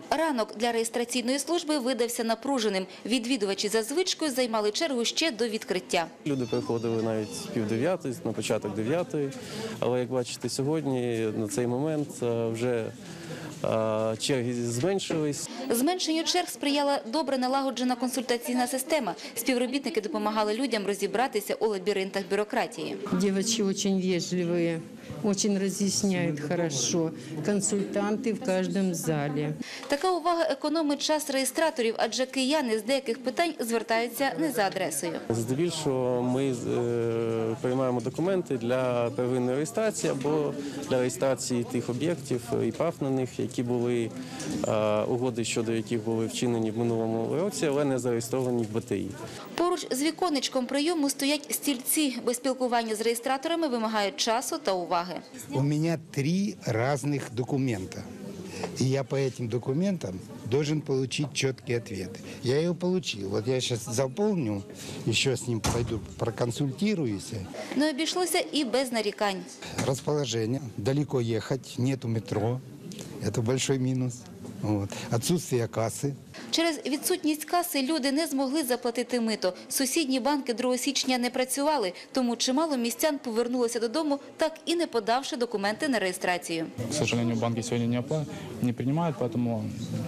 Ранок для реєстраційної служби видався напруженим. Відвідувачі за звичкою займали чергу ще до відкриття. Люди приходили навіть з 8:30, на початок 9:00. Але, як бачите, сьогодні, на цей момент, вже черги зменшились. Зменшенню черг сприяла добре налагоджена консультаційна система. Співробітники допомагали людям розібратися у лабіринтах бюрократії. Девочки очень вежливые, очень разъясняют хорошо. Консультанты в каждом зале. Така увага економить час реєстраторів, адже кияни з деяких питань звертаються не за адресою. Здебільшого ми приймаємо документи для первинної реєстрації або для реєстрації тих об'єктів і прав на них, які були, угоди щодо яких були вчинені в минулому році, але не зареєстровані в БТІ. Поруч з віконечком прийому стоять стільці, бо спілкування з реєстраторами вимагає часу та уваги. У меня 3 разных документа. И я по этим документам должен получить четкие ответы. Я его получил. Вот я сейчас заполню, еще с ним пойду проконсультируюсь. Не обійшлося і без нарікань. Расположение. Далеко ехать, нету метро. Это большой минус. Вот. Отсутствие кассы. Через відсутність каси люди не змогли заплатити мито. Сусідні банки 2 січня не працювали, тому чимало містян повернулося додому, так і не подавши документи на реєстрацію. К сожалению, банки сегодня не принимают, поэтому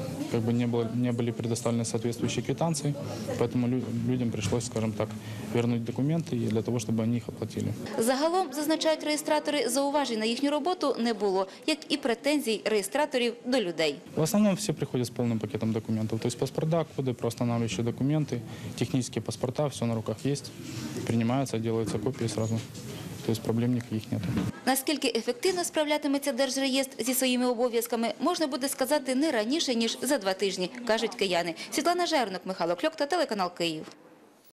не были предоставлены соответствующие квитанции, поэтому людям пришлось, скажем так, вернуть документы для того, чтобы они их оплатили. Загалом, зазначають реєстратори, зауважень на їхню роботу не було, як і претензій реєстраторів до людей. В основном все приходят с полным пакетом документов, то есть паспорта, коды, проустанавливающие документы, технические паспорта, все на руках есть, принимаются, делаются копии сразу. Тобто проблем никаких нет. Наскільки ефективно справлятиметься Держреєстр зі своїми обов'язками, можна буде сказати не раніше, ніж за 2 тижні, кажуть кияни. Світлана Жернок, Михайло Кльок та телеканал «Київ».